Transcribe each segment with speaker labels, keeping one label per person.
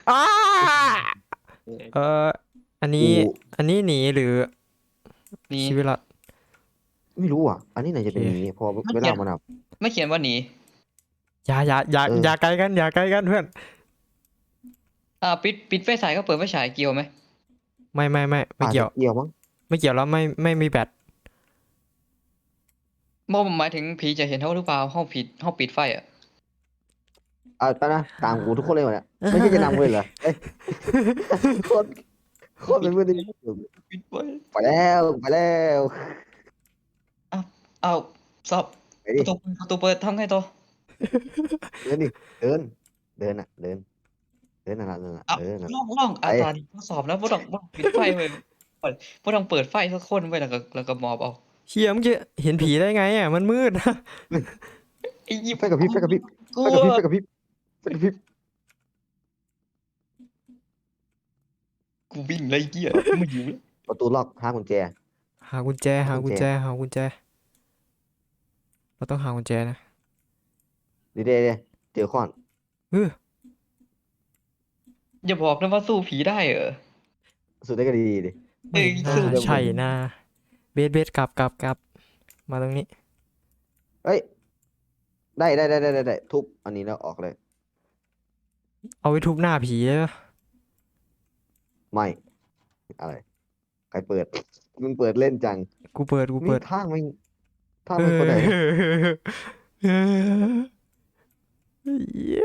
Speaker 1: อ้าเอ่ออันนี้
Speaker 2: กู
Speaker 1: อันนี้หนีหรือ
Speaker 3: นี่
Speaker 1: ชีวิตรอด
Speaker 2: ไม่รู้อ่ะอันนี้ไหน
Speaker 1: โอเค
Speaker 2: จะเป็นนี้พอ
Speaker 3: ไม่เขียน
Speaker 2: เวลามันอ่ะ
Speaker 3: ไม่เขียนว่าหนี
Speaker 1: อย่าไกลกันอย่าไกลกันเพื่อน
Speaker 3: ปิดไฟฉายก็เปิดไฟฉายเกี่ยวไหม
Speaker 1: ไม่
Speaker 2: อาจ
Speaker 1: เกี่ยว
Speaker 2: จะเกี่ยวมั้ง
Speaker 1: ไม่เกี่ยวแล้วไม่มีแบต
Speaker 3: โมหมายถึงผีจะเห็นเขาหรือเปล่าห้องปิดไฟอ่ะ
Speaker 2: ไปนะตามกูทุกคนเลยวะเนี่ยไม่ใช่จะนำเลยเหรอเอ้ยโคตรโคตร
Speaker 3: ปิดไฟ
Speaker 2: เป็นเพื่อนที่
Speaker 3: ปิดไฟ
Speaker 2: ไปแล้ว
Speaker 3: อ้าวอ้าวสอบ
Speaker 2: ไปดิ
Speaker 3: ประตูเปิดทำไงต่อ
Speaker 2: เดินดิเดินเดินอ่ะเดินนั่นน่ะ
Speaker 3: อ้าว
Speaker 2: นั่น
Speaker 3: ล่อง
Speaker 2: ไป
Speaker 3: ตาดีทดสอบแล้วบ่ต้องปิดไฟไว้บ่ต้องเปิดไฟสักคนไว้แล้วก็มอบเอา
Speaker 1: เชี่ยมึงจะเห็นผีได้ไงอ่ะมันมืดนะ
Speaker 3: ไอ้ยิบ
Speaker 2: ไฟกับพริบไฟกับพริบ
Speaker 3: กลัว
Speaker 2: ไฟกับพริบไฟกับพริบ
Speaker 3: กูวิ่งเลยเกี้ยไม่อยู่แล้ว
Speaker 2: ประตูล็อกหากุญแจ
Speaker 1: หากุญแจ
Speaker 2: หากุญแจ
Speaker 1: หากุญแจเราต้องหากุญแจนะ
Speaker 2: ดีเจอค้อน
Speaker 1: เออ
Speaker 3: อย่าบอกนะว่าสู้ผีได้เหรอ
Speaker 2: สุดได้ก็ดีดิ
Speaker 1: ไม่น่า
Speaker 3: สู้
Speaker 1: ใช่นะเบสกลับมาตรงนี้
Speaker 2: เฮ้ยได้ทุบอันนี้แล้วออกเลย
Speaker 1: เอาไว้ทุบหน้าผีเลยปะ
Speaker 2: ไม่อะไรใครเปิดมึงเปิดเล่นจัง
Speaker 1: กู
Speaker 2: นี่
Speaker 1: เปิด
Speaker 2: ทาง
Speaker 1: เอ
Speaker 2: ไม่คนไหน
Speaker 1: อเออเย้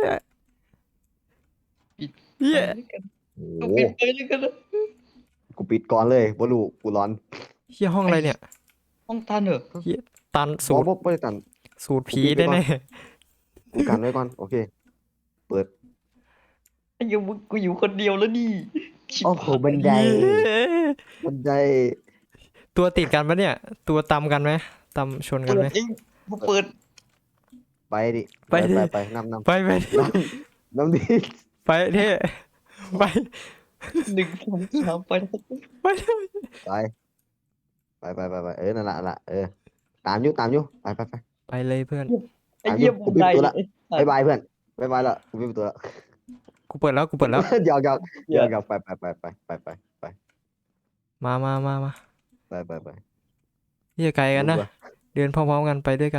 Speaker 3: ปิดไฟ
Speaker 1: เย้
Speaker 3: แล้วกัน
Speaker 2: โอ้
Speaker 3: ต้อง
Speaker 2: โห
Speaker 3: ปิดไฟแล้วกันนะ
Speaker 2: กูปิดก่อนเลยบลูกูร้อน
Speaker 1: เฮียห้อง
Speaker 3: ไอ้
Speaker 1: อะไรเนี่ย
Speaker 3: ห้องตันเหรอ
Speaker 1: เฮียตัน
Speaker 2: บอ
Speaker 1: สูตร
Speaker 2: บไม่ได้ตัน
Speaker 1: สูตรผี
Speaker 2: กูปิดไปก่อน
Speaker 1: แน่
Speaker 2: กูกันไว้ก่อนโอเคเปิด
Speaker 3: ไอ้ยังมึงกูอยู่คนเดียวแล้วนี่ชิบ
Speaker 2: โอ้โห
Speaker 3: หาย
Speaker 2: บันได
Speaker 1: ๆเย้
Speaker 2: บันได
Speaker 1: ตัวติดกันปะเนี่ยตัวตำกันไหมตำชนกันไหม
Speaker 3: เปิดเองกูเปิด
Speaker 2: ไปดิ
Speaker 1: ไปดิ
Speaker 2: ไปนำ
Speaker 1: ไปดิ
Speaker 2: น้ำดิ
Speaker 1: ไปเท่ไป
Speaker 3: 1 2 3ไปแล้ว
Speaker 1: ไปเลย
Speaker 2: ไปไปนั่นละตามอยู่
Speaker 1: ไปเลยเพื่อน
Speaker 3: ไอ้
Speaker 2: ตามอยู่
Speaker 3: เยี่ยมบันได
Speaker 2: กูปิดประตูละ
Speaker 3: ไอ้สัตว์
Speaker 2: บ๊ายบายเพื่อนบ๊ายบายละกูปิดประตูละ
Speaker 1: กูเปิดแล้ว
Speaker 2: หยอก
Speaker 3: เหี้ย
Speaker 2: ไป
Speaker 1: มา
Speaker 2: ไป
Speaker 1: เฮียไกลกันนะ
Speaker 2: รู้ปะ
Speaker 1: เดินพร้อมๆกันไปด้วยกัน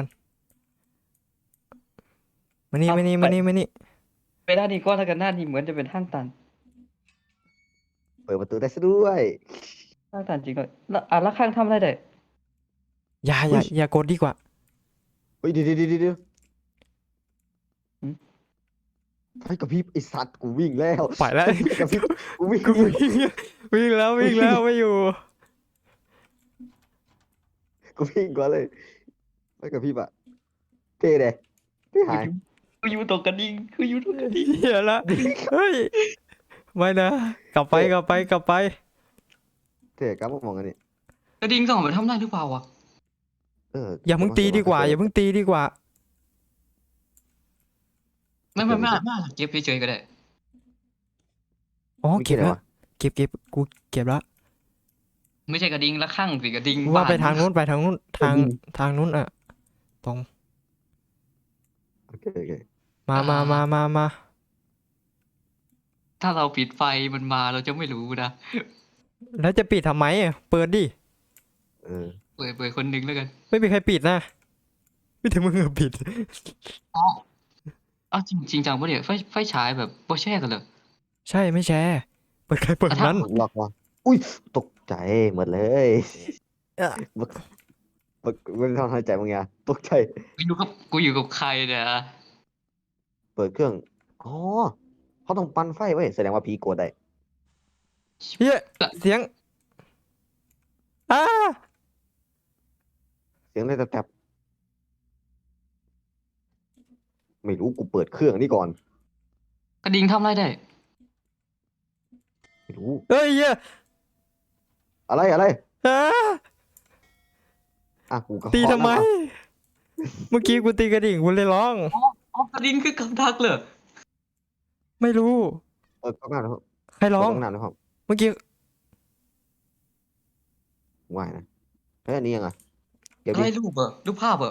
Speaker 1: มานี่
Speaker 3: เอา
Speaker 1: มานี่
Speaker 3: ไป
Speaker 1: มานี่
Speaker 3: ไปด้านนี้ก็แล้วกันด้านนี้เหมือนจะเป็นห้างตัน
Speaker 2: เปิดประตูได้ซะด้วย
Speaker 3: ห้างตันจริงเลยแล้วข้างทำอะไรได้
Speaker 2: เฮ้ย
Speaker 1: อย่ากดดีกว่า
Speaker 2: เฮ้ยเดี๋ยว
Speaker 3: หืม
Speaker 2: ไฟกระพริบไอสัตว์กูวิ่งแล้ว
Speaker 1: ไปแล้ว
Speaker 2: ไฟกระพริบกูวิ่ง
Speaker 1: กูวิ่งแล้วไม่อยู่
Speaker 2: กูวิ่งก่อนเลยไฟกระพริบอะเท่เลยเท่
Speaker 3: กู
Speaker 2: หาย
Speaker 3: อยู่กูอยู่ตรงกระดิ่งกูอยู่ตรงกระดิ่ง
Speaker 1: เฮียละเฮ้ยไม่นะ
Speaker 2: เท่
Speaker 1: กลับไป
Speaker 2: เท่กลับมามองกันนี่
Speaker 3: กระดิ่งส่องไปทำได้หรือเปล่าวะ
Speaker 2: เออ
Speaker 1: อย่าเพิ่งตีดีกว่า
Speaker 2: เอ
Speaker 1: อย่าเพิ่งตีดีกว่า
Speaker 3: ไม่เก็บเฉยๆก็ได้
Speaker 1: อ๋อ
Speaker 2: ไม่คิดอะไรวะ
Speaker 1: เก็บกูเก็บแล้ว
Speaker 3: ไม่ใช่กระดิ่งละข้างสิกระดิ่ง
Speaker 1: ว่า
Speaker 3: บ้าน
Speaker 1: ไปทางนู้น
Speaker 2: กดยิง
Speaker 1: ทางนู้นอะตรง
Speaker 2: โอเค
Speaker 3: อ่า
Speaker 1: มา
Speaker 3: ถ้าเราปิดไฟมันมาเราจะไม่รู้นะ
Speaker 1: แล้วจะปิดทำไมอะเปิดดิ
Speaker 2: เออ
Speaker 3: เปิดคนหนึ่งแล้วกัน
Speaker 1: ไม่มีใครปิดนะไม่ถึงมึงอะปิด
Speaker 3: อ๋อเอาจริงจังปะเนี่ยไฟฉายแบบบ่แช่กันเลย
Speaker 1: ใช่ไม่แชร์เปิดใครเปิด
Speaker 3: ถ้า
Speaker 1: นั้น
Speaker 2: ล็อกวะอุ้ยตกใจหมดเลย
Speaker 1: เอะ
Speaker 2: บักไม่ได้ทำให้ใจมึงไงตกใจ
Speaker 3: กูอยู่กับใครเนี่ย
Speaker 2: เปิดเครื่องอ๋อเขาต้องปั่นไฟไว้ยแสดงว่าผีโกรธได้
Speaker 1: เฮียเสียงอ้า
Speaker 2: เสียงอะไรแตบๆไม่รู้กูเปิดเครื่องนี่ก่อน
Speaker 3: กระดิ่งทำอะไรได้
Speaker 2: ไม่รู้
Speaker 1: เฮ้ยเฮีย
Speaker 2: อะไร
Speaker 1: อ้า
Speaker 2: กูก็
Speaker 1: ตีทำไม
Speaker 2: เคาะนั่น
Speaker 1: เมื่อกี้กูตีกระดิ่งกูเลยร้อง
Speaker 3: กระดิ่งคือกับดักเลย
Speaker 1: ไม่รู้
Speaker 2: ก๊อกน้ำนะครับ
Speaker 1: ใครร้อง
Speaker 2: เปิดก๊อกน้ำนะครับ
Speaker 1: เมื่อกี้
Speaker 2: ว่ายนะเฮ้ยอันนี้ยังไงเก็บ
Speaker 3: อะไร
Speaker 2: ดิ
Speaker 3: รูปภาพ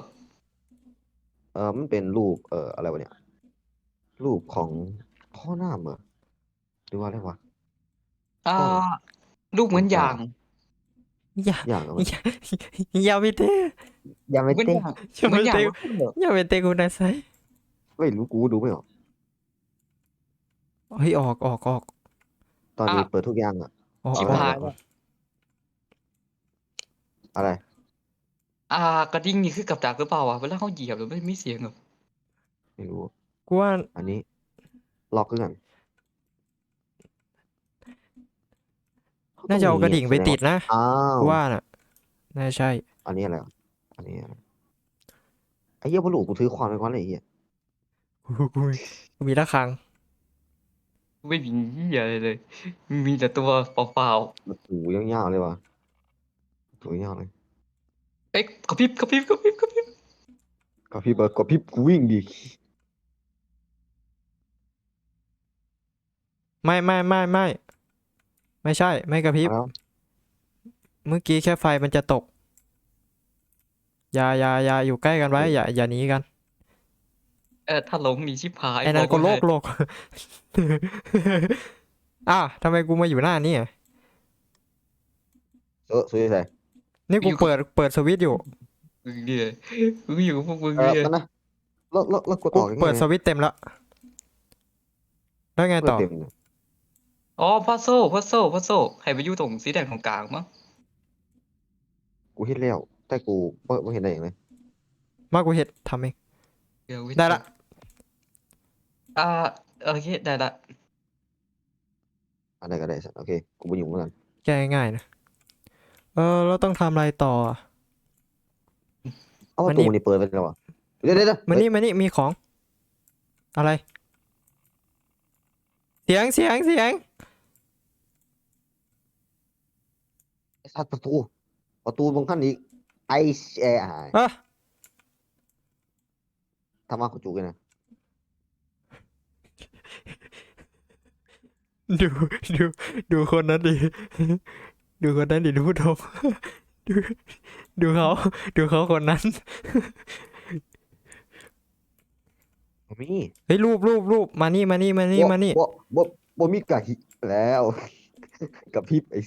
Speaker 2: มันเป็นรูปอะไรวะเนี่ยรูปของพ่อหน้าเหรอหรือว่าอะไรวะ
Speaker 3: อ่า
Speaker 2: ต้อง
Speaker 3: ลูกเหมือนอย่าง
Speaker 1: อย่า
Speaker 2: อย่างอะไร
Speaker 1: อย่าอย่าไปเตะ
Speaker 2: ยังไม่
Speaker 3: เหมือน
Speaker 2: เต้
Speaker 3: อย่าง
Speaker 1: อย่า
Speaker 3: เหมื
Speaker 1: ไป
Speaker 3: อนอย่าง
Speaker 1: เตะ
Speaker 3: ว่าคุณเหรอ
Speaker 1: อย่าไปเตะกูนะไซ
Speaker 2: ไม่รู้กูดูไม่ออก
Speaker 1: เฮ้ยออก
Speaker 2: ตอนนี้เปิดทุกอย่างอ่ะ
Speaker 1: ออก
Speaker 3: ชิบ
Speaker 1: ออก
Speaker 3: หาย
Speaker 2: เอ
Speaker 3: แล้ว
Speaker 2: อะไร
Speaker 3: กระดิ่งนี่คือกับดักหรือเปล่าวะเวลาเขาเหยียบหรือไม่มีเสียงเหรอ
Speaker 2: ไม่รู้
Speaker 1: กูว่า
Speaker 2: อันนี้ล็อกคือกัน
Speaker 1: น่าจะเอากระดิ่งไปติดนะ
Speaker 2: อ้าว
Speaker 1: กูว่าน่ะน่าใช่
Speaker 2: อันนี้อะไรวะอันนี้อะไรไอ้เหี้ยพอหลูกูถือความไปก่อนเลยไอ้เหี้ย
Speaker 1: กูมีระฆัง
Speaker 3: ไม่มีเหี้ยอะไรเลย มีแต่ตัวเปล่า
Speaker 2: มันถูยาวๆเลยวะถูยาวเลย
Speaker 3: ๆเอ๊ะกระพริบกระพริบกระพริบกระพริบ
Speaker 2: ก็พี่เบิร์ดก็พี่กูวิ่งดิ
Speaker 1: ไม่ใช่ไม่กระพริบ
Speaker 2: แล้ว
Speaker 1: เมื่อกี้แค่ไฟมันจะตก อย่าอยู่ใกล้กันไว้ อย่าหนีกัน
Speaker 3: ถ้าหลงหนีชิบหาย
Speaker 1: ไอ้นั่น
Speaker 3: บ
Speaker 1: ก็
Speaker 3: ว้
Speaker 1: โล
Speaker 3: เลย
Speaker 1: ก อ้าวทำไมกูมาอยู่หน้านี่อะ
Speaker 2: สวยใส่
Speaker 1: นี่กูเปิดสวิตช์อยู่
Speaker 3: มึงเนี่ยมึงอยู่กับพวกมึง
Speaker 2: เออ
Speaker 3: เนี่ย
Speaker 2: มันนะแล้วกด
Speaker 1: กู
Speaker 2: ออกยังไง
Speaker 1: เปิดสวิตช์เต็มแล้ว แล้วไง
Speaker 2: เปิด
Speaker 1: ต่อ
Speaker 2: เต็มเลย
Speaker 3: อ๋อพัซโซให้ไปอยู่ตรงสีแดงของกลางมั้ง
Speaker 2: กูเห็นแล้ว แต่กูไม่เห็นได้อย่างเลย
Speaker 1: มากกูเห็ดทำเอง
Speaker 3: เดี๋ยว
Speaker 1: ได้ละ
Speaker 3: อ่าโอเคได้ละ
Speaker 2: อะไรก็ได้สัตว์โอเคกูไปอยู่เหมือนกัน
Speaker 1: แก้ง่ายๆนะ เราต้องทำอะไรต่ออะ
Speaker 2: เอา
Speaker 1: มั
Speaker 2: ว่าน
Speaker 1: นี่
Speaker 2: ตูนี่เปิดไปแล้ววะเดี๋ยว
Speaker 1: มานี่มีของ อะไร เสียง
Speaker 2: ไอ้สัตว์ประตูบางขั้นอีกไอเอไอ
Speaker 1: อ่ะ
Speaker 2: ทำมากูจูกันนะ
Speaker 1: ดูดูดูคนนั้นดิ ดูคนนั้นดิดูผู้ชม ดูดูเขาคนนั้น
Speaker 2: มี
Speaker 1: เฮ้ยรูปมานี่
Speaker 2: บ่มีกะหิแล้ว กับพริบไอ้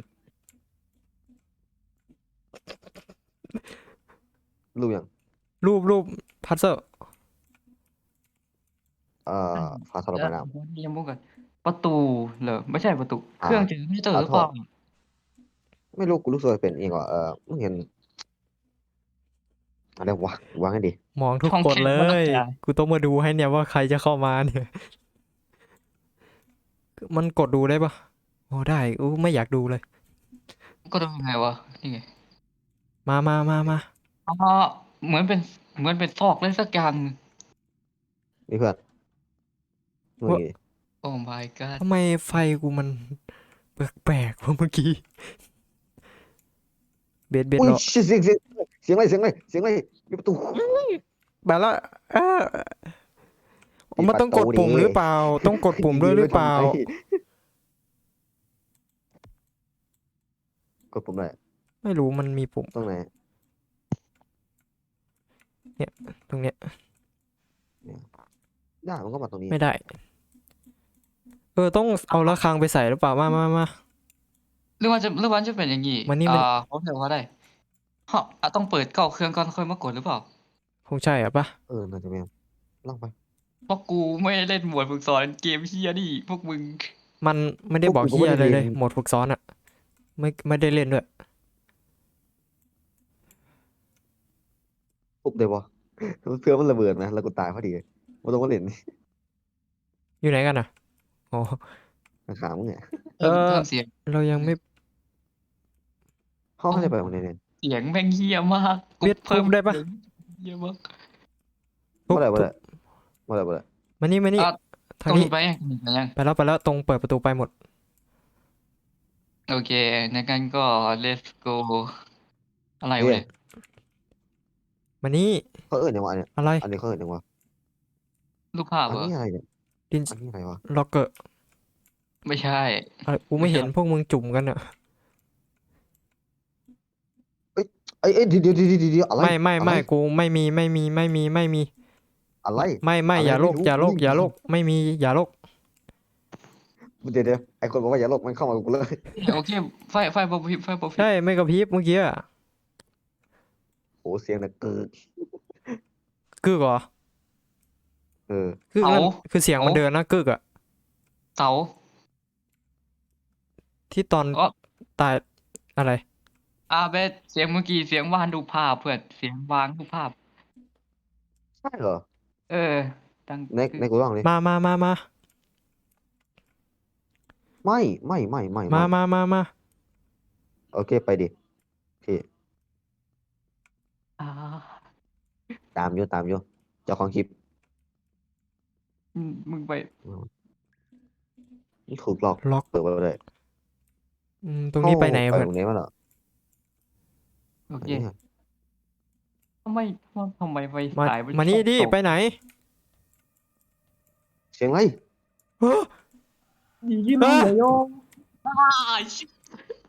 Speaker 2: รู้ยัง
Speaker 1: รูปพัซเซอร์
Speaker 2: ฟาสโลไปน้
Speaker 3: เรียงมุกกันประตูเหรอไม่ใช่ประตู
Speaker 2: อ่า
Speaker 3: เครื่องเจอไม่เจอหรือเปล่า
Speaker 2: ำไม่รู้กูรู้สึกว่าเป็นเองว่ะมึงเห็นอะไรวะวางให้ดี
Speaker 1: มองทุก
Speaker 3: ช่อง
Speaker 1: คน
Speaker 3: แคบ
Speaker 1: เล
Speaker 3: มาก
Speaker 1: ย
Speaker 3: จ้ะ
Speaker 1: กูต้องมาดูให้เนี่ยว่าใครจะเข้ามาเนี่ย มันกดดูได้ปะโอ้ได้ไม่อยากดูเลย
Speaker 3: ก็ดูยังไงวะนี่ไง
Speaker 1: มา
Speaker 3: อ๋อเหมือนเป็นซอกอะไรสักอย่าง
Speaker 2: นี่เพื่อนนู่นนี่
Speaker 3: โอ้ my god
Speaker 1: ทำไมไฟกูมันแปลกๆวะเมื่อกี้ เบ็ด
Speaker 2: อุ้ย
Speaker 1: เหรอ
Speaker 2: เสียงอะไรมีประตู
Speaker 1: แบบละมันต้องกดปุ่มหรือเปล่า ต้องกดปุ่มด้วยหรือเปล่า
Speaker 2: กดปุ่มอะไร
Speaker 1: ไม่รู้มันมีปุ่ม
Speaker 2: ตรงไหน
Speaker 1: ตรงเนี้ย
Speaker 2: ได้มันก็มาตรงนี้
Speaker 1: ไม่ได้ ต้องเอาระฆังไปใส่หรือเปล่า มา
Speaker 3: หรือว่าจะเป็นอย่างงี้
Speaker 1: มันนี่
Speaker 3: เขาเรียกว่าอะไรฮะต้องเปิดเก้าเครื่องก่อนค่อยมากดหรือเปล่า
Speaker 1: คงใช่อะปะ
Speaker 2: น่าจะไม่ลองไป
Speaker 3: เพราะกูไม่ได้เล่นหมวดฝึกสอนเกมเฮียนี่พวกมึง
Speaker 1: มันไม่ได้บอก
Speaker 2: พวกกู
Speaker 1: เฮีย
Speaker 2: ก็ไม่
Speaker 1: เล
Speaker 2: ได้
Speaker 1: ย
Speaker 2: เรียน
Speaker 1: หมดฝึกซ้อนอะไม่ได้เล่นด้วย
Speaker 2: ปุ๊บเดี๋ยวบอเพื่อมันระเบิดนะแล้วกูตายพอดีมันต้องมาเล่น
Speaker 1: อยู่ไหนกันอะอ๋อ
Speaker 2: ขามึงเนี่ย
Speaker 1: เออ
Speaker 3: เพิ่มเสียง
Speaker 1: เรายังไม่
Speaker 2: เขาจะไปตรงไหนเนี่ย
Speaker 3: เสียงแม่งเฮียมากกู
Speaker 1: เบียด
Speaker 3: เพิ่ม
Speaker 1: ทุบได้ปะ
Speaker 3: เสียงเฮียมาก
Speaker 1: ทุบ
Speaker 2: เมื่อไหร่
Speaker 1: มานี่
Speaker 3: อ่ะ
Speaker 1: ทาง
Speaker 3: ต้อง
Speaker 1: นี้
Speaker 3: ไปยัง
Speaker 1: ไปแล้วตรงเปิดประตูไปหมด
Speaker 3: โอเคในกันก็ let's go อะไร
Speaker 2: เฮ้
Speaker 3: วะ
Speaker 2: ย
Speaker 3: เนี่ย
Speaker 1: มานี่
Speaker 2: เขาอย่างวะเนี่ย
Speaker 1: อะไร
Speaker 2: อันนี้เขาอย่างวะ
Speaker 3: รูปภาพ
Speaker 2: อัน
Speaker 3: เหรอ
Speaker 2: นี้อะไรเนี่ย
Speaker 1: ดิน
Speaker 2: อันนี้อะไรวะ
Speaker 1: ล็อกเกอร์
Speaker 3: ไม่ใช่
Speaker 1: อะไรกูไม่เห็นพวกมึงจุ่มกันอะ
Speaker 2: เอ้ยเดี๋ยวอะไร
Speaker 1: ไม่กูไม่มี
Speaker 2: อะไร
Speaker 1: ไม่
Speaker 2: อะไร
Speaker 1: อย่าโลก
Speaker 2: ไม่รู้
Speaker 1: อย่าโลก
Speaker 2: ไม่รู้
Speaker 1: ไม่มีอย่าโลก
Speaker 2: เดี๋ยวไอ้คนบอกว่าอย่าหลบมันเข้ามากับกูเลย
Speaker 3: โอเคไฟบ่พริบไฟบ่พริบ
Speaker 1: ใช่ไม่กระพริบเมื่อกี้อะ
Speaker 2: โอ้เสียงนะเกิด
Speaker 1: กึกเหรอ
Speaker 2: เออ
Speaker 1: กึกนั่นคือเสียงมันเดินนะกึกอะ
Speaker 3: เสา
Speaker 1: ที่ตอน
Speaker 3: อ๋อ
Speaker 1: ตายอะไร
Speaker 3: เบสเสียงเมื่อกี้เสียงวาดรูปภาพเพื่อนเสียงวางรูปภาพ
Speaker 2: ใช่เหรอ
Speaker 3: เออดัง
Speaker 2: ในกูลองดิ
Speaker 1: มา
Speaker 2: ไม่
Speaker 1: มา
Speaker 2: โอเคไปดิโอเค
Speaker 3: อ่า
Speaker 2: ตามอยู่เจ้าของคลิป
Speaker 3: มึงไป
Speaker 2: นี่ถูกหลอก
Speaker 1: ล็อก
Speaker 2: เปิดไปเลย
Speaker 1: ตรงนี้ไปไหน
Speaker 2: ไป
Speaker 1: เพื่อน
Speaker 2: ตรงไหนมาเหรอ
Speaker 3: โอ
Speaker 2: อัน
Speaker 3: เค
Speaker 2: นี้อะ
Speaker 3: ทำไมไฟ
Speaker 1: มา
Speaker 3: ฉาย
Speaker 1: มานี่ดิ
Speaker 3: ตก
Speaker 1: ไปไหน
Speaker 2: เสียงอะไร
Speaker 1: เฮ้อ
Speaker 3: ยิงเลยโยมชิบ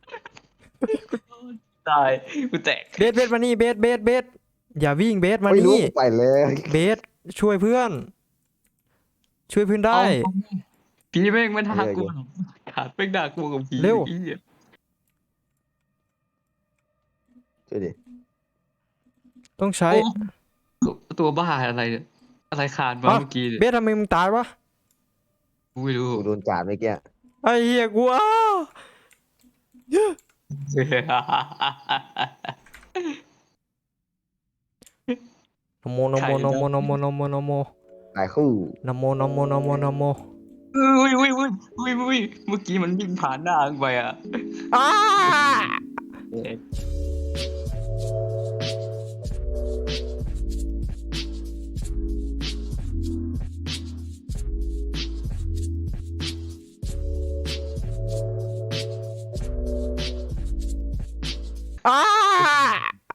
Speaker 3: ตายกูแตก
Speaker 1: เบสมานี่เบสอย่าวิ่งเบสมา
Speaker 2: ไม่รู้
Speaker 1: นี่
Speaker 2: ไปเลย
Speaker 1: เบสช่วยเพื่อน ช่วยเพื่อนได้
Speaker 3: เอาผีแม่งมันด่ากูขาดแม่งด่ากูกับผี
Speaker 1: เร็ว
Speaker 3: ไอ้เหี้ย
Speaker 2: ช่วยดิ
Speaker 1: ต้องใช้
Speaker 3: โอ้ตัวบ้าอะไรเนี่ยอะไรขาดมา
Speaker 1: อ่ะ
Speaker 3: เมื่อกี้เนี่ย
Speaker 1: เบสทำไมมึงตายวะ
Speaker 3: กูไม่รู้
Speaker 2: กูโดนจาดเมื่อกี้
Speaker 1: ไอ้เหี้ยกูอ้าว นะโมนะโมนะโมนะโมนะโมนะโม
Speaker 2: ตายคู่
Speaker 1: นะโมนะโมนะโมนะโม
Speaker 3: อุ้ยเมื่อกี้มันวิ่งผ่านหน้ามึงไปอ่ะ
Speaker 1: อ้า อ้า